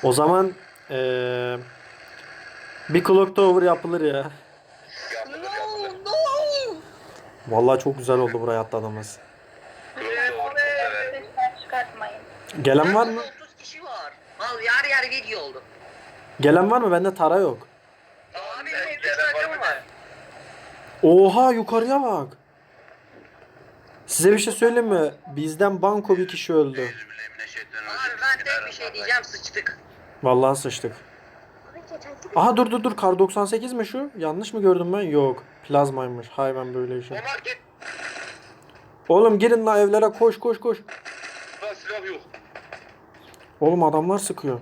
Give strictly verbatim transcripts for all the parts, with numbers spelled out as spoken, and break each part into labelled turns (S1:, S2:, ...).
S1: O zaman eee bir clock tower yapılır ya.
S2: Yapılır
S3: No,
S2: yapılır.
S3: no.
S1: Vallahi çok güzel oldu buraya atladığımız.
S2: Lütfen doğru severim.
S3: Sesler çıkartmayın.
S1: Gelen var
S4: Burada
S1: mı?
S4: otuz kişi var. Al yer yer video oldu.
S1: Gelen var mı? Bende tara yok.
S4: Abi
S2: Ben
S4: benim üç
S2: gelen var
S4: rakım
S2: mı
S4: var.
S2: de?
S1: Oha yukarıya bak. Size bir şey söyleyeyim mi? Bizden banko bir kişi öldü.
S4: Abi ben tek bir şey diyeceğim, sıçtık.
S1: Vallahi sıçtık. Aha dur dur dur. Kar doksan sekiz mi şu? Yanlış mı gördüm ben? Yok. Plazmaymış. Hay ben böyle işim.
S2: Omar git.
S1: Oğlum girin la evlere koş koş koş.
S2: Lan silah yok.
S1: Oğlum adamlar sıkıyor.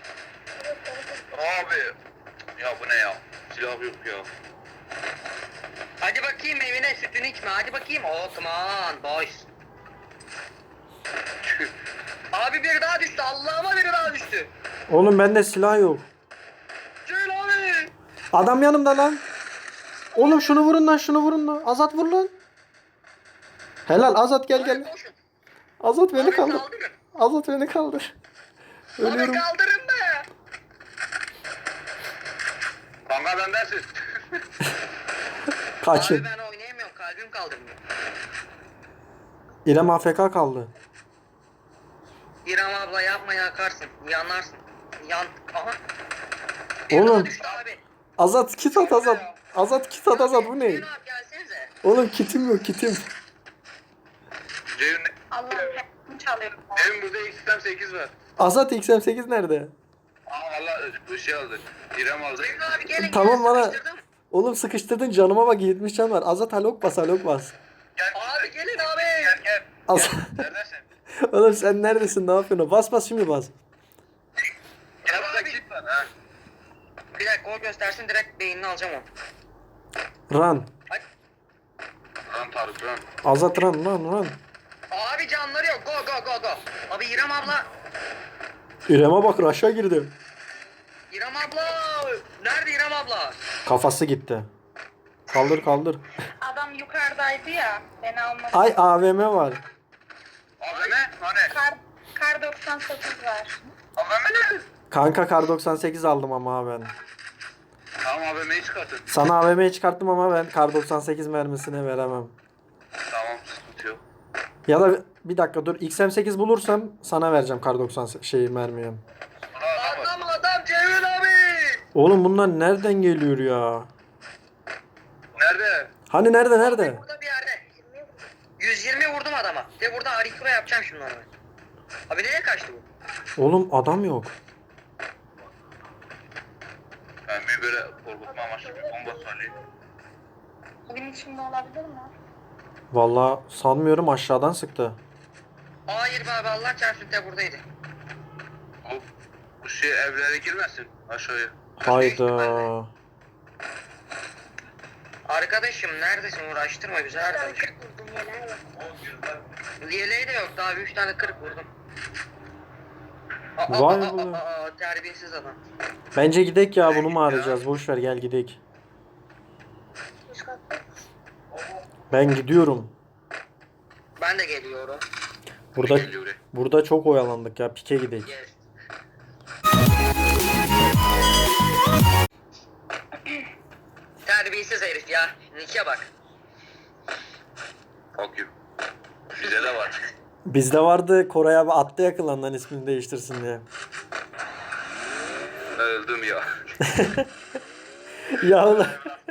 S2: Abi. Ya bu ne ya? Silah yok ya.
S4: Hadi bakayım evine sütünü içme, hadi bakayım. Oh come on boys. Abi biri daha düştü, Allah'ıma biri daha düştü.
S1: Oğlum bende silah yok.
S4: Söyle abi.
S1: Adam yanımda lan. Oğlum şunu vurun lan şunu vurun lan. Azat vur lan. Helal Azat gel gel.
S4: Koşun.
S1: Azat beni
S4: Abi
S1: kaldır.
S4: kaldırın.
S1: Azat beni kaldır.
S4: Abi
S1: Ölüyorum.
S4: kaldırın be.
S2: Kanka bendensin.
S1: Kaçın.
S4: Abi ben oynayamıyorum, kalbim kaldırmıyor.
S1: İrem A F K kaldı.
S4: İrem abla yapma yakarsın, yanarsın. Yan, aha. Biri
S1: Oğlum.
S4: daha düştü abi.
S1: Azat kit at Azat. Azat kit at Azat bu ne?
S4: Hüseyin abi gelsenize.
S1: Oğlum kitim yok kitim.
S2: Ceyhun
S3: Allah'ım hepsini çalıyorum.
S2: evin burada X M sekiz var.
S1: Azat X M sekiz nerede?
S2: Aa valla bu şey aldı. İrem aldı.
S4: Hüseyin abi gelin.
S1: Tamam,
S4: gelin,
S1: bana-
S4: sıkıştırdım.
S1: Oğlum sıkıştırdın canıma bak yetmiş can var. Azat halok bas halok bas.
S2: Gel.
S4: Abi gelin abi.
S2: Gel gel.
S1: Azat.
S2: Neredesin?
S1: Oğlum sen neredesin ne yapıyorsun? Bas bas şimdi bas.
S2: Gel burada kit var ha.
S4: Bir dakika o göstersin, direkt beynini alacağım onu.
S1: Run.
S4: Hadi.
S2: Lan Tarık lan.
S1: Azat run run run.
S4: Abi canları yok, go go go go. Abi İrem abla.
S1: İrem'e bak aşağı girdi.
S4: İrem abla. Nerede İrem abla?
S1: Kafası gitti. Kaldır kaldır.
S3: Adam yukarıdaydı ya. Beni almadı.
S1: Ay A V M var.
S2: Abi ne? Hani?
S3: Kar, kar doksan sekiz var.
S2: Abi ne?
S1: Kanka kar doksan sekiz aldım ama ben.
S2: Tamam A V M'yi çıkartın.
S1: Sana A V M'yi çıkarttım ama ben kar doksan sekiz mermisine veremem.
S2: Tamam sıkıntı yok.
S1: Ya da bir dakika dur X M sekiz bulursam sana vereceğim kar doksan şeyi mermiyi.
S2: Buna adam var.
S4: Adam adam Cemil abi.
S1: Oğlum bunlar nereden geliyor ya?
S2: Nerede?
S1: Hani nerede nerede?
S4: Burada bir yerde. yüz yirmi vurdum adama. De burada harika yapacağım şimdi onu. Abi nereye kaçtı bu?
S1: Oğlum adam yok.
S2: Ben bir böyle korkutma amaçlı bir bomba söyleyeyim.
S3: Evin içinde olabilir mi?
S1: Vallahi sanmıyorum aşağıdan sıktı.
S4: Hayır be abi, Allah çarpsın de buradaydı.
S2: Bu, bu şey evlere girmesin aşağıya.
S1: Hayda.
S4: Arkadaşım neredesin, uğraştırma güzel arkadaşım. Yeleği de yok, daha üç tane kırık vurdum. Aa,
S1: Vay
S4: aa,
S1: be.
S4: aa, aa, terbiyesiz adam.
S1: Bence gidek ya bunu mu arayacağız? Boş ver gel gidek. Ben gidiyorum.
S4: Ben de geliyorum.
S1: Burada
S2: Geliyor buraya.
S1: burada çok oyalandık ya. Pike gidek.
S4: Yes. Terbiyesiz herif ya. Nike bak.
S2: Fuck you. Bize de var.
S1: Bizde vardı Koray abi attı yakılandan ismini değiştirsin diye.
S2: Ben öldüm ya.
S1: Ya ulan.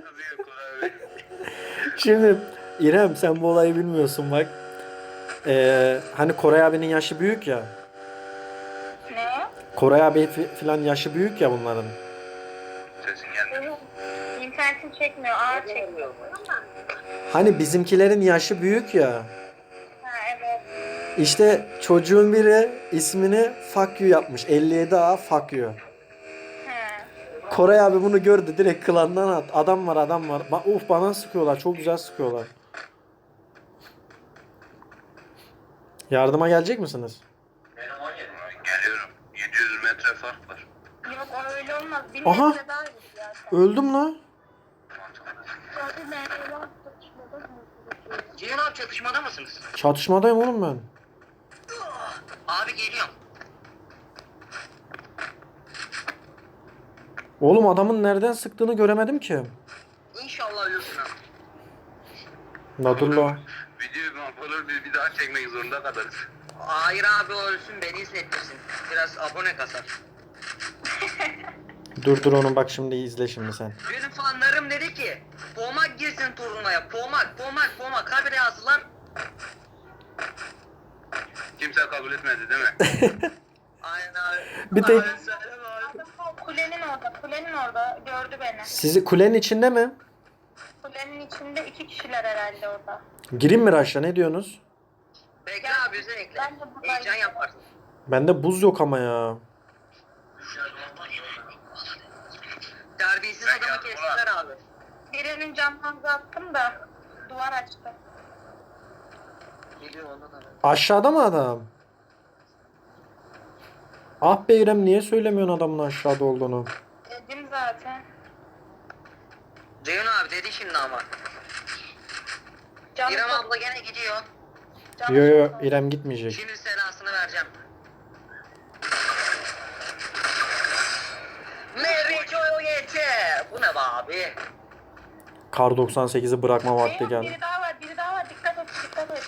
S1: Şimdi İrem sen bu olayı bilmiyorsun bak. Ee, hani Koray abinin yaşı büyük ya.
S3: Ne?
S1: Koray abi fi- filan yaşı büyük ya bunların.
S2: Sesin gelmiyor.
S3: İnternetim çekmiyor. Ağır çekmiyor.
S1: Hani bizimkilerin yaşı büyük ya.
S3: Ha evet.
S1: İşte çocuğun biri ismini fuck you yapmış. elli yedi A fuck you.
S3: Ha.
S1: Koray abi bunu gördü direkt klandan at. Adam var adam var. Ba uf bana sıkıyorlar. Çok güzel sıkıyorlar. Yardıma gelecek misiniz?
S2: Geliyorum. yedi yüz metre fark var.
S3: Yok o öyle olmaz. Bir
S1: Aha.
S3: metre daha iyi zaten.
S1: Öldüm la.
S3: Zaten ben evlat tutuşmadım.
S4: Ceyhun abi çatışmada mısınız?
S1: Çatışmadayım oğlum ben.
S4: Abi geliyorum.
S1: Oğlum adamın nereden sıktığını göremedim ki.
S4: İnşallah ölürsün ha.
S1: La dur la.
S2: Videoyu mahvolur bir, bir daha çekmek zorunda kalırız.
S4: Hayır abi o ölsün beni hissettirsin. Biraz abone kasar.
S1: Dur dur onu bak şimdi izle şimdi sen.
S4: Benim fanlarım dedi ki Pomak girsin turnuvaya. Pomak, Pomak, Pomak. Habire yazdılar.
S2: Kimse kabul etmedi değil mi?
S4: Aynen abi.
S1: Bir tek-
S4: Abi, söyleme abi.
S3: Adam o kulenin orada, kulenin orada gördü beni.
S1: Sizi kulenin içinde mi?
S3: Kulenin içinde iki kişiler herhalde orada.
S1: Gireyim mi Raş'a ne diyorsunuz?
S4: Bekle abi özellikle.
S3: Ben de buradayım.
S4: Heyecan yaparsın.
S1: Bende buz yok ama ya.
S4: Terbiyesiz
S2: Ben
S4: adamı
S2: geldim
S4: kestiler abi.
S3: Birinin camdan attım da duvar açtı.
S4: Geliyor ondan abi.
S1: Aşağıda mı adam? Ah be İrem niye söylemiyorsun adamın aşağıda olduğunu?
S3: Dedim zaten.
S4: Ceyhun abi dedi şimdi ama.
S3: Canı
S4: İrem
S3: çok-
S4: abla gene gidiyor.
S3: canı
S1: Yo yo
S3: çok-
S1: İrem gitmeyecek.
S4: Şimdi selasını vereceğim. Mary Joyete. Bu ne be abi?
S1: Kar doksan sekizi bırakma vakti
S3: Eyvah,
S1: geldi.
S3: biri daha var, biri daha var. Dikkat et, dikkat et.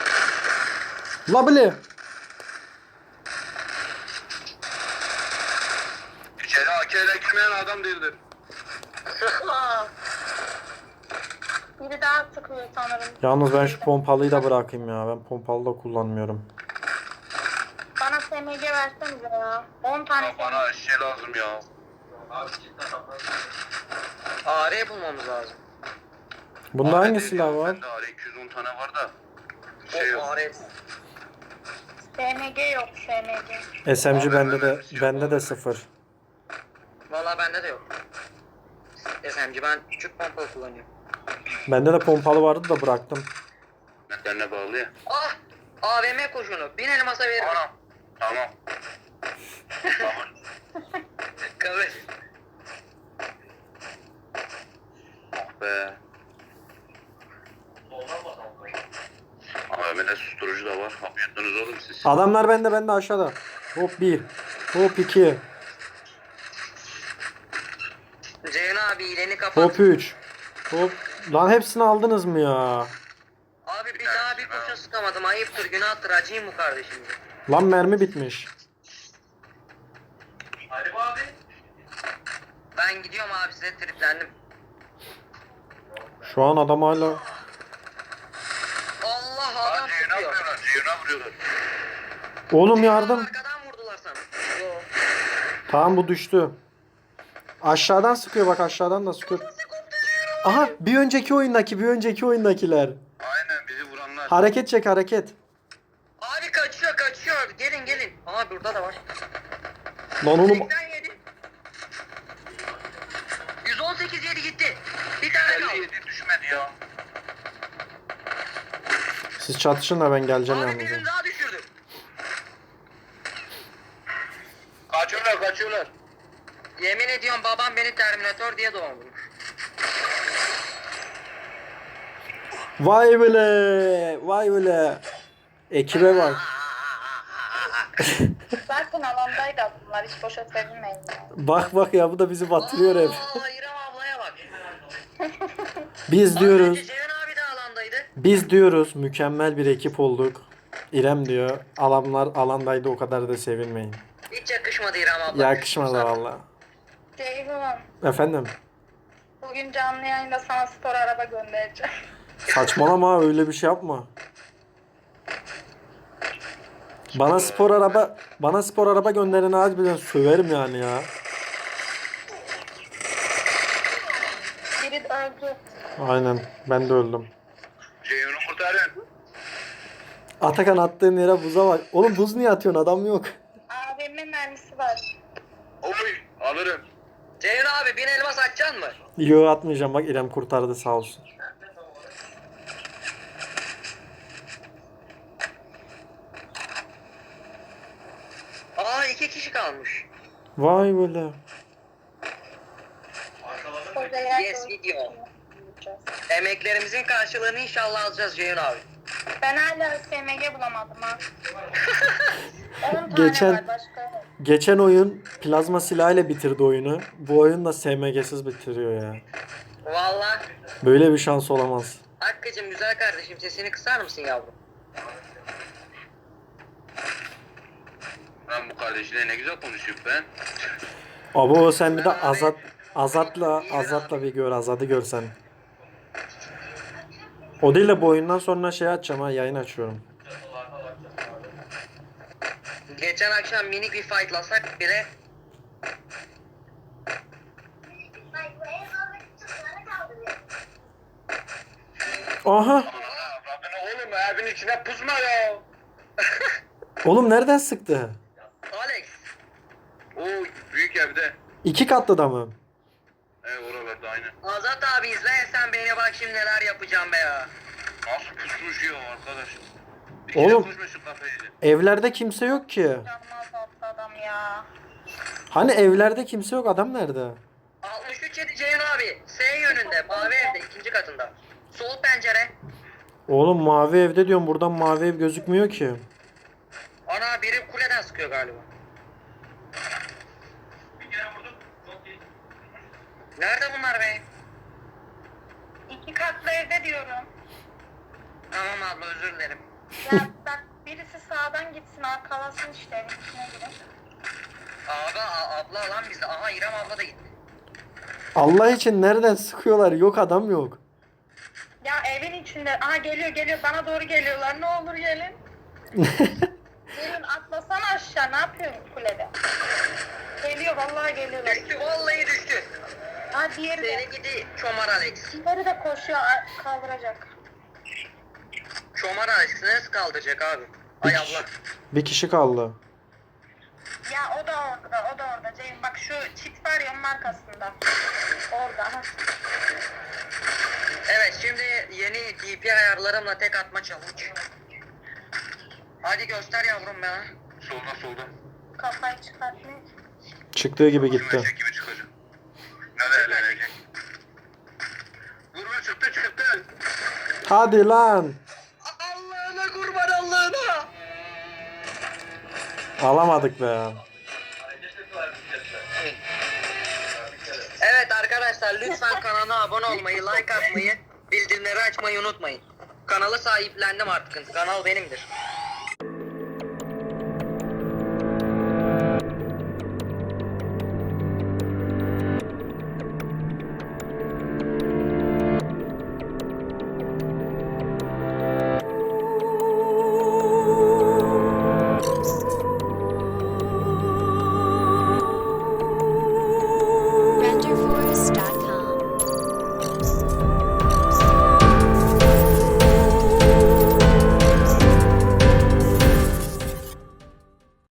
S1: La bile.
S2: İçeri A K ile girmeyen adam değildir.
S3: Biri daha sıkıyor sanırım.
S1: Yalnız ben şu pompalıyı da bırakayım ya. Ben pompalı da kullanmıyorum.
S3: Bana S M G versenize ya. on tane
S2: Ya bana şey lazım ya.
S4: A R bulmamız lazım.
S1: Bunda
S2: A R
S1: hangi
S2: değil
S1: silah
S2: ya,
S1: var?
S2: Bende A R iki yüz on tane var da. Şey
S4: O
S2: yok.
S4: A R.
S3: S M G yok, S M G.
S1: S M G bende de bende de sıfır.
S4: Valla bende de yok. S M G ben küçük pompalı kullanıyorum.
S1: Bende de pompalı vardı da bıraktım.
S2: Nedenle bağlı ya.
S4: Ah! A V M koşunu. Bin elmasa veririm.
S2: Anam. Tamam. Tamam.
S4: Kabul.
S2: Ah be. A V M'de susturucu da var. Yapıyorsunuz oğlum siz.
S1: Adamlar bende bende aşağıda. Hop bir. Hop iki.
S4: Ceyhun abi ileni kapat.
S1: Hop üç. Hop. Lan hepsini aldınız mı ya?
S4: Abi bir daha bir kurşun sıkamadım. Ayıptır, günahtır. Acıyım bu kardeşim.
S1: Lan mermi bitmiş.
S4: Hadi abi. Ben gidiyorum abi size triplendim.
S1: Şu an adam hala...
S4: Allah
S2: Aa,
S4: adam
S2: Ceyhun'a
S4: tutuyor.
S2: vuruyorlar. Ceyhun'a vuruyorlar.
S1: Oğlum yardım.
S4: Arkadan vurdular sana. Yo.
S1: Tamam bu düştü. Aşağıdan sıkıyor bak aşağıdan da sıkıyor. Aha bir önceki oyundaki bir önceki oyundakiler.
S2: Aynen bizi vuranlar.
S1: Hareket çek hareket.
S4: Abi kaçıyor kaçıyor. Gelin gelin. Aa burada da var.
S1: Lan oğlum
S4: seksen yedi. yüz on sekiz yedi gitti. Bir tane kaldı.
S2: elli yedi düşmedi ya.
S1: siz çatışın da ben geleceğim
S4: Abi
S1: yalnız.
S4: birini daha düşürdüm.
S2: Kaçıyorlar kaçıyorlar.
S4: Yemin ediyorum babam beni Terminator diye doğurmuş.
S1: Vay bile. Vay bile. Ekibe bak.
S3: Zaten alandaydı bunlar. Hiç boşa sevinmeyin yani.
S1: Bak bak ya bu da bizi batırıyor hep.
S4: Aa İrem ablaya bak.
S1: Biz
S4: Az
S1: diyoruz.
S4: önce Ceyhun abi de alandaydı.
S1: Biz diyoruz mükemmel bir ekip olduk. İrem diyor. Alanlar alandaydı o kadar da sevinmeyin.
S4: Hiç yakışmadı İrem abla.
S1: Yakışmadı valla.
S3: Ceyhun,
S1: Efendim.
S3: bugün canlı yayında sana spor araba göndereceğim.
S1: Saçmalama öyle bir şey yapma. Bana spor araba bana spor araba gönderin harbiden söverim yani ya.
S3: Biri öldü.
S1: Aynen ben de öldüm.
S2: Ceyhun'u kurtarın.
S1: Atakan attığın yere buza bak. Oğlum buz niye atıyorsun adam yok.
S3: A V M mermisi var.
S2: Oy alırım.
S4: Ceyhun abi bin elmas açacaksın mı?
S1: Yo atmayacağım bak İrem kurtardı sağ olsun.
S4: Aa iki kişi kalmış.
S1: Vay böyle.
S3: Odaya
S4: Yes video. Emeklerimizin karşılığını inşallah alacağız Ceyhun abi.
S3: Ben hala S M G bulamadım ha. on tane
S1: Geçen-
S3: var başka yok.
S1: Geçen oyun plazma silahıyla bitirdi oyunu. Bu oyun da S M G'siz bitiriyor ya.
S4: Valla.
S1: Böyle bir şans olamaz.
S4: Hakkı'cım güzel kardeşim sesini kısar mısın yavrum?
S2: Ben bu kardeşine ne güzel konuşuyorum ben.
S1: Abo sen bir de Azat Azat'la Azat'la bir gör, Azat'ı görsen. O değil de bu oyundan sonra şey açacağım ha, yayın açıyorum.
S4: Geçen akşam minik bir fightlasak bile
S1: Aha!
S2: Rabbini oğlum evin içine pusma ya.
S1: Oğlum nereden sıktı?
S4: Alex.
S2: Oo büyük evde.
S1: İki katlı da mı?
S2: E oralarda aynen.
S4: Azat abi izlersen beni bak şimdi neler yapacağım be ya.
S2: Nasıl pusmuş ya arkadaş. Bir
S1: Oğlum.
S2: kere pusmuş şu kafayı.
S1: Evlerde kimse yok ki.
S3: Canmaz attı adam ya.
S1: Hani evlerde kimse yok, adam nerede?
S4: altmış üç yedi Ceyhun abi. S yönünde mavi evde ikinci katında. Sol pencere.
S1: Oğlum mavi evde diyorum, buradan mavi ev gözükmüyor ki.
S4: Ana biri kuleden sıkıyor galiba. Nerede bunlar be?
S3: İki katlı evde diyorum.
S4: Tamam abla özür dilerim.
S3: Ya bak birisi sağdan gitsin arkalasın işte evin içine girin.
S4: Abi a- abla lan bizde. Aha İrem abla da gitti.
S1: Allah için nereden sıkıyorlar? Yok, adam yok.
S3: Ya evin içinde. Aha geliyor geliyor bana doğru geliyorlar. Ne olur gelin. Gelin atlasana aşağı. Ne yapıyorsun kulede? Geliyor vallahi geliyorlar.
S4: Düştü vallahi düştü.
S3: Ha diğeri de.
S4: Seni gidi çomar Alex.
S3: Diğeri de koşuyor a- kaldıracak.
S4: Çomar Alex nasıl kaldıracak abi? Ay abla.
S1: Bir kişi kaldı.
S3: Ya o da orada o da orada. Ceyhun bak şu çift var ya onun arkasında. Orada. Ha.
S4: Evet şimdi yeni D P ayarlarımla tek atma challenge. Hadi göster yavrum bana.
S2: Solda solda.
S3: Kafayı çıkartmıyor.
S1: Çıktığı gibi gitti.
S2: Şuraya gibi çıkacak. Nerede eğlenecek? Vurma çıktı çıktı.
S1: Hadi lan.
S4: Allah'ına kurban Allah'ına.
S1: Alamadık be.
S4: Evet arkadaşlar lütfen kanala abone olmayı, like atmayı, bildirimleri açmayı unutmayın. Kanalı sahiplendim artık. Kanal benimdir.